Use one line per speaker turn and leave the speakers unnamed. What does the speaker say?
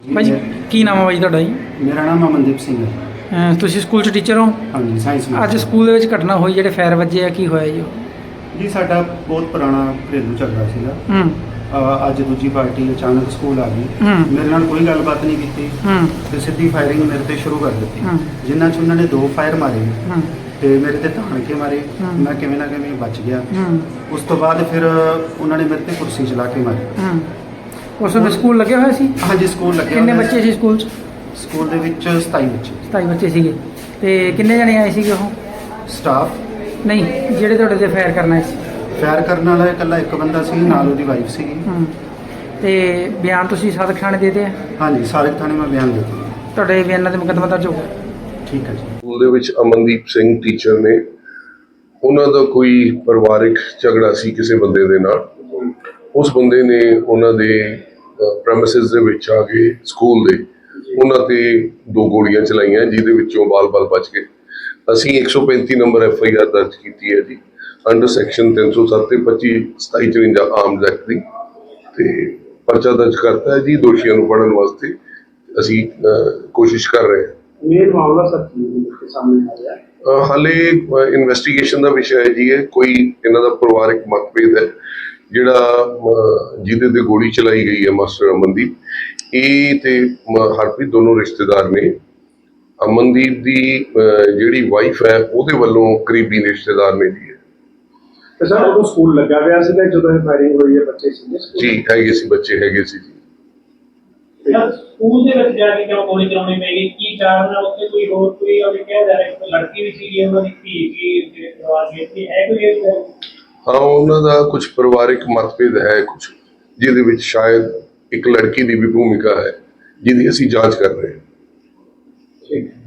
ਭਾਜੀ ਕੀ ਨਾਮ ਹੈ ਭਾਜੀ ਤੁਹਾਡਾ ਜੀ?
ਮੇਰਾ ਨਾਮ ਅਮਨਦੀਪ ਸਿੰਘ ਹੈ।
ਤੁਸੀਂ ਸਕੂਲ 'ਚ ਟੀਚਰ ਹੋ?
ਹਾਂਜੀ, ਸਾਇੰਸ
ਅੱਜ ਸਕੂਲ ਦੇ ਵਿੱਚ ਘਟਨਾ ਹੋਈ ਜਿਹੜੇ ਫਾਇਰ ਵੱਜੇ ਆ, ਕੀ ਹੋਇਆ ਜੀ ਉਹ?
ਜੀ ਸਾਡਾ ਬਹੁਤ ਪੁਰਾਣਾ ਘਰੇਲੂ ਝਗੜਾ ਸੀਗਾ।
ਹੂੰ
ਅੱਜ ਦੂਜੀ ਪਾਰਟੀ ਅਚਾਨਕ ਸਕੂਲ ਆ ਗਈ।
ਹੂੰ
ਮੇਰੇ ਨਾਲ ਕੋਈ ਗੱਲਬਾਤ ਨਹੀਂ ਕੀਤੀ
ਹੂੰ
ਤੇ ਸਿੱਧੀ ਫਾਇਰਿੰਗ ਮੇਰੇ ਤੇ ਸ਼ੁਰੂ ਕਰ ਦਿੱਤੀ,
ਹੂੰ।
ਜਿਨ੍ਹਾਂ 'ਚ ਉਹਨਾਂ ਨੇ 2 ਫਾਇਰ ਮਾਰੇ
ਹੂੰ
ਤੇ ਮੇਰੇ ਤੇ ਤਾਣ ਕੇ ਮਾਰੇ।
ਹੂੰ।
ਮੈਂ ਕਿਵੇਂ ਨਾ ਕਿਵੇਂ ਬਚ ਗਿਆ।
ਹੂੰ
ਉਸ ਤੋਂ ਬਾਅਦ ਫਿਰ ਉਹਨਾਂ ਨੇ ਮੇਰੇ ਤੇ ਕੁਰਸੀ ਚਲਾ ਕੇ ਮਾਰੀ।
ਹੂੰ। ਉਸ ਵੇਲੇ ਸਕੂਲ ਲੱਗਿਆ ਹੋਇਆ ਸੀ?
ਹਾਂਜੀ, ਸਕੂਲ ਲੱਗਿਆ
ਕਿੰਨੇ
ਹੋਇਆ
ਬੱਚੇ ਸੀ ਸਕੂਲ 'ਚ?
ਸਕੂਲ ਦੇ ਵਿੱਚ 27 ਬੱਚੇ
27 ਬੱਚੇ ਸੀਗੇ। ਤੇ ਕਿੰਨੇ ਜਣੇ ਆਏ ਸੀਗੇ ਉਹ?
ਸਟਾਫ।
ਨਹੀਂ, ਜਿਹੜੇ ਤੁਹਾਡੇ ਤੇ ਫਾਇਰ ਕਰਨ ਆਏ ਸੀ?
ਫਾਇਰ ਕਰਨ ਵਾਲਾ ਇਕੱਲਾ ਇੱਕ ਬੰਦਾ ਸੀ, ਨਾਲ ਉਹਦੀ ਵਾਈਫ ਸੀਗੀ।
ਹੂੰ। ਤੇ ਬਿਆਨ ਤੁਸੀਂ ਸਾਦਕ ਥਾਣੇ ਦੇ ਦਿੱਤੇ ਆ?
ਹਾਂਜੀ, ਸਾਰੇ ਥਾਣੇ ਮੈਂ ਬਿਆਨ ਦੇ ਦਿੱਤਾ।
ਤੁਹਾਡੇ ਬਿਆਨਾਂ ਤੇ ਮੁਕੱਦਮਾ ਦਰਜ ਹੋ ਗਿਆ?
ਠੀਕ ਹੈ ਜੀ।
ਸਕੂਲ ਦੇ ਵਿੱਚ ਅਮਨਦੀਪ ਸਿੰਘ ਟੀਚਰ ਨੇ, ਉਹਨਾਂ ਦਾ ਕੋਈ ਪਰਿਵਾਰਿਕ ਝਗੜਾ ਸੀ ਕਿਸੇ ਬੰਦੇ ਦੇ ਨਾਲ। ਉਸ ਬੰਦੇ ਨੇ ਉਹਨਾਂ ਦੇ ਪ੍ਰੈਮਿਸਿਸ ਦੇ ਵਿੱਚ ਆ ਕੇ ਸਕੂਲ ਦੇ ਉਹਨਾਂ ਤੇ 2 ਗੋਲੀਆਂ ਚਲਾਈਆਂ, ਜਿਹਦੇ ਵਿੱਚੋਂ ਬਾਲ-ਬਾਲ ਬਚ ਗਏ। ਅਸੀਂ 135 ਨੰਬਰ FIR ਦਰਜ ਕੀਤੀ ਹੈ ਜੀ, ਅੰਡਰ ਸੈਕਸ਼ਨ 307 ਤੇ 25/27/54 ਆਰਮਜ਼ ਐਕਟ ਦੀ, ਤੇ ਪਰਚਾ ਦਰਜ ਕਰਤਾ ਹੈ ਜੀ। ਦੋਸ਼ੀਆਂ ਨੂੰ ਫੜਨ ਵਾਸਤੇ ਅਸੀਂ ਕੋਸ਼ਿਸ਼ ਕਰ ਰਹੇ ਹਾਂ।
ਮੇਨ ਮਾਮਲਾ ਸਰ ਕੀ ਸਾਹਮਣੇ ਆ ਰਿਹਾ?
ਹਾਲੇ ਇਨਵੈਸਟੀਗੇਸ਼ਨ ਦਾ ਵਿਸ਼ਾ ਹੈ ਜੀ। ਇਹ ਕੋਈ ਇਹਨਾਂ ਦਾ ਪਰਿਵਾਰਕ ਮਤਭੇਦ ਹੈ, ਜਿਹੜਾ ਜਿਹਦੇ ਤੇ ਗੋਲੀ ਚਲਾਈ ਗਈ ਹੈ ਮਾਸਟਰ ਅਮਨਦੀਪ, ਇਹ ਤੇ ਹਰਪ੍ਰੀਤ ਦੋਨੋਂ ਰਿਸ਼ਤੇਦਾਰ ਨੇ। ਅਮਨਦੀਪ ਦੀ ਜਿਹੜੀ ਵਾਈਫ ਹੈ ਉਹਦੇ ਵੱਲੋਂ ਕਰੀਬੀ ਰਿਸ਼ਤੇਦਾਰ ਨੇ ਜੀ।
ਤੇ ਸਰ ਉਦੋਂ ਸਕੂਲ ਲੱਗਾ ਹੋਇਆ ਸੀਗਾ ਜਦੋਂ ਇਹ ਫਾਇਰਿੰਗ ਹੋਈ ਹੈ? ਬੱਚੇ ਸੀਗੇ ਸਕੂਲ?
ਜੀ ਹੈਗੇ ਸੀ, ਬੱਚੇ ਹੈਗੇ ਸੀ ਜੀ।
ਸਕੂਲ ਦੇ ਵਿੱਚ ਜਾ ਕੇ ਕਿਉਂ ਗੋਲੀ ਚਲਾਉਣੀ ਪਈ ਗਈ? ਕੀ ਕਾਰਨ ਹੈ ਉੱਥੇ? ਕੋਈ ਹੋਰ ਕੋਈ ਉਹਨੇ ਕਿਹਾ ਜਾ ਰਿਹਾ ਕਿ ਲੜਕੀ ਵੀ ਸੀਗੀ, ਉਹਨਾਂ ਦੀ ਧੀ ਵੀ ਜਿਹੜੇ ਪਰਿਵਾਰ ਵਿੱਚ ਸੀ, ਹੈ ਕੋਈ ਇਹ?
ਹਾਂ, ਉਹਨਾਂ ਦਾ ਕੁਝ ਪਰਿਵਾਰਿਕ ਮਤਭੇਦ ਹੈ, ਕੁਝ ਜਿਹਦੇ ਵਿੱਚ ਸ਼ਾਇਦ ਇੱਕ ਲੜਕੀ ਦੀ ਵੀ ਭੂਮਿਕਾ ਹੈ, ਜਿਹਦੀ ਅਸੀਂ ਜਾਂਚ ਕਰ ਰਹੇ ਹਾਂ।
ਠੀਕ।